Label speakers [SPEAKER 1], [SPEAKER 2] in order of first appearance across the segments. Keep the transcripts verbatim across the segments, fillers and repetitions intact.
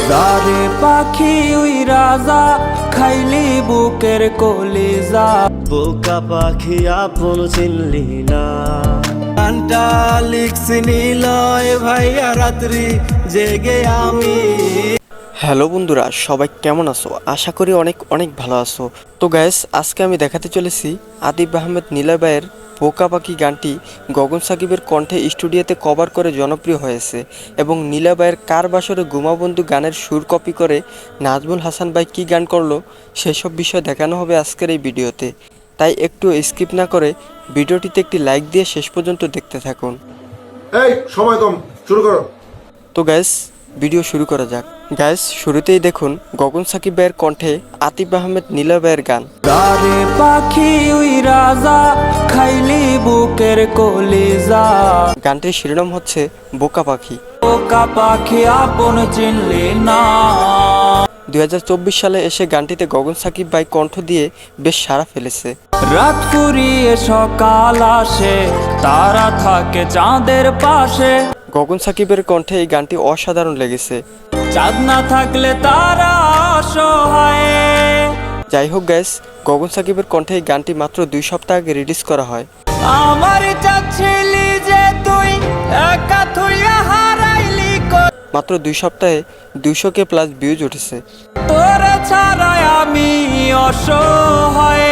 [SPEAKER 1] যারে পাখি উই রাজা খাইলি বুকের কলিজা।
[SPEAKER 2] বোকা পাখি আপন চিনলি না।
[SPEAKER 1] গানটা লিখছি নিলয় ভাইয়া রাত্রি জেগে আমি।
[SPEAKER 3] হ্যালো বন্ধুরা, সবাই কেমন আছো? আশা করি অনেক অনেক ভালো আছো। তো গাইস, আজকে আমি দেখাতে চলেছি আতিফ আহমেদ নিলয় ভাইয়ের বোকা পাখি গানটি গগন সাকিবের কণ্ঠে স্টুডিওতে কভার করে জনপ্রিয় হয়েছে এবং নিলয় ভাইয়ের কার বাসরে গুমাবন্ধু গানের সুর কপি করে নাজমুল হাসান ভাই কী গান করলো সেসব বিষয় দেখানো হবে আজকের এই ভিডিওতে। তাই একটু স্কিপ না করে ভিডিওটিতে একটি লাইক দিয়ে শেষ পর্যন্ত দেখতে থাকুন।
[SPEAKER 4] এই সময় কম, শুরু করো।
[SPEAKER 3] তো গাইস, ভিডিও শুরু করা যাক। গাইস, শুরুতেই দেখুন গগন সাকিব ভাইয়ের কণ্ঠে আতিফ আহমেদ নিলয় ভাইয়ের গান।
[SPEAKER 1] যারে পাখি উই রাজা খাইলি বুকের কলিজা।
[SPEAKER 3] গানটির শিরোনাম হচ্ছে বোকা পাখি।
[SPEAKER 1] বোকা পাখি আপন চিনলি না।
[SPEAKER 3] দুই হাজার চব্বিশ সালে এসে গানটিতে গগন সাকিব ভাই কণ্ঠ দিয়ে বেশ সাড়া ফেলেছে।
[SPEAKER 1] রাত ফুরিয়ে সকাল আসে, তারা থাকে চাঁদের পাশে।
[SPEAKER 3] গগন সাকিবের কণ্ঠে এই গানটি অসাধারণ লেগেছে।
[SPEAKER 1] চাঁদ না থাকলে তারা অসহায়।
[SPEAKER 3] যাই হোক গাইস, গগন সাকিবের কণ্ঠে এই গানটি মাত্র দুই সপ্তাহ আগে রিলিজ করা হয়।
[SPEAKER 1] আমার চাচ্ছিলি যে তুই একা থুইয়া হারাইলি কই।
[SPEAKER 3] মাত্র দুই সপ্তাহে দুইশো কে প্লাস ভিউজ উঠেছে।
[SPEAKER 1] তোরে ছাড়াই আমি অসহায়।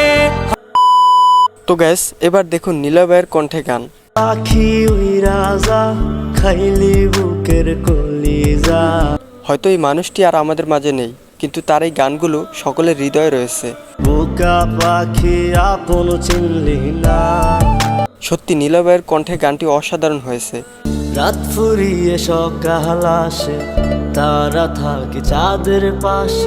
[SPEAKER 3] তো গাইস, এবার দেখুন নিলয় ভাইয়ের কণ্ঠে গান।
[SPEAKER 2] পাখি ওই রাজা খাইলি বুকের কলিজা।
[SPEAKER 3] হয়তো এই মানুষটি আর আমাদের মাঝে নেই, কিন্তু তার এই গানগুলো সকলের হৃদয়ে রয়েছে।
[SPEAKER 2] বোকা পাখি আপন চিনলি না।
[SPEAKER 3] সত্যি নিলয় ভাইয়ের কণ্ঠে গানটি অসাধারণ হয়েছে।
[SPEAKER 2] রাত ফুরিয়ে সকাল আসে, তারা থাকে চাঁদের পাশে।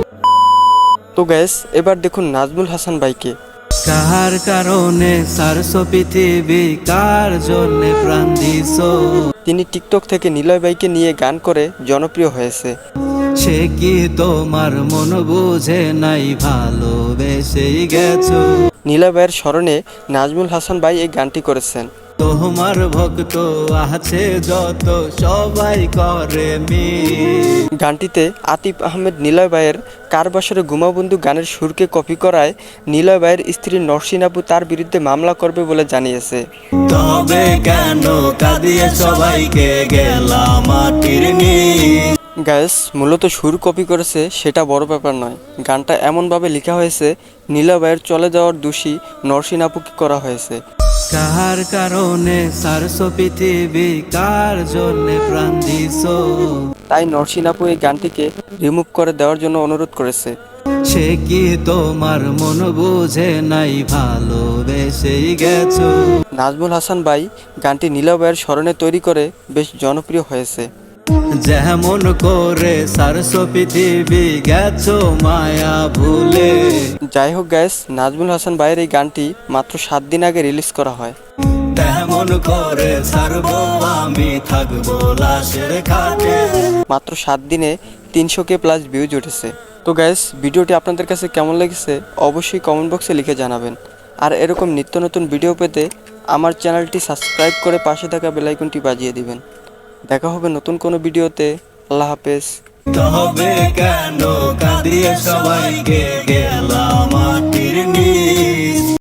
[SPEAKER 3] তো গ্যাস, এবার দেখুন নাজমুল হাসান ভাইকে।
[SPEAKER 1] কার কারণে সারসো পৃথিবী, কার জন্যে প্রাণ দিছো।
[SPEAKER 3] তিনি টিকটক থেকে নিলয় ভাইকে নিয়ে গান করে জনপ্রিয় হয়েছে।
[SPEAKER 1] সে কি তোমার মন বুঝে নাই, ভালোবেসেই গেছো।
[SPEAKER 3] নিলয় ভাইয়ের স্মরণে নাজমুল হাসান ভাই এই গানটি করেছেন।
[SPEAKER 1] তোমার ভক্ত আছে যত, সবাই করে মি।
[SPEAKER 3] গানটিতে আতিফ আহমেদ নিলয় ভাইয়ের কার বাসরে গুমাবন্ধু গানের সুরকে কপি করায় নিলয় ভাইয়ের স্ত্রী নরসিন আপু তার বিরুদ্ধে মামলা করবে বলে জানিয়েছে।
[SPEAKER 1] তবে কেন কাঁদিয়ে সবাইকে গেলাম মাটির নিচ।
[SPEAKER 3] গ্যাস, মূলত সুর কপি করেছে সেটা বড় ব্যাপার নয়। গানটা এমনভাবে লেখা হয়েছে নিলয় ভাইয়ের চলে যাওয়ার দোষী নরসিন আপুকে করা হয়েছে।
[SPEAKER 1] কার কারণে সারসো পৃথিবী, কার জন্যে প্রাণ দিছো।
[SPEAKER 3] তাই নরসিন আপু এই গানটিকে রিমুভ করে দেওয়ার জন্য অনুরোধ করেছে।
[SPEAKER 1] সে কি তোমার মন বুঝে নাই, ভালোবেসেই গেছো।
[SPEAKER 3] নাজমুল হাসান ভাই গানটি নিলয় ভাইয়ের স্মরণে তৈরি করে বেশ জনপ্রিয় হয়েছে।
[SPEAKER 1] যেমন করে সারসো পৃথিবী গেছো মায়া ভুলে।
[SPEAKER 3] যাই হোক গ্যাস, নাজমুল হাসান ভাইয়ের এই গানটি মাত্র সাত দিন আগে রিলিজ করা হয়।
[SPEAKER 1] তেমন করে সারবো আমি থাকবো লাশের খাটে।
[SPEAKER 3] মাত্র সাত দিনে তিনশো কে প্লাস ভিউজ উঠেছে। তো গ্যাস, ভিডিওটি আপনাদের কাছে কেমন লেগেছে অবশ্যই কমেন্ট বক্সে লিখে জানাবেন। আর এরকম নিত্য নতুন ভিডিও পেতে আমার চ্যানেলটি সাবস্ক্রাইব করে পাশে থাকা বেল আইকনটি বাজিয়ে দিবেন। দেখা হবে নতুন কোনো ভিডিওতে। আল্লাহ হাফেজ।
[SPEAKER 1] তবে কেন কাঁদিয়ে সবাইকে গেলাম মাটির নিচ।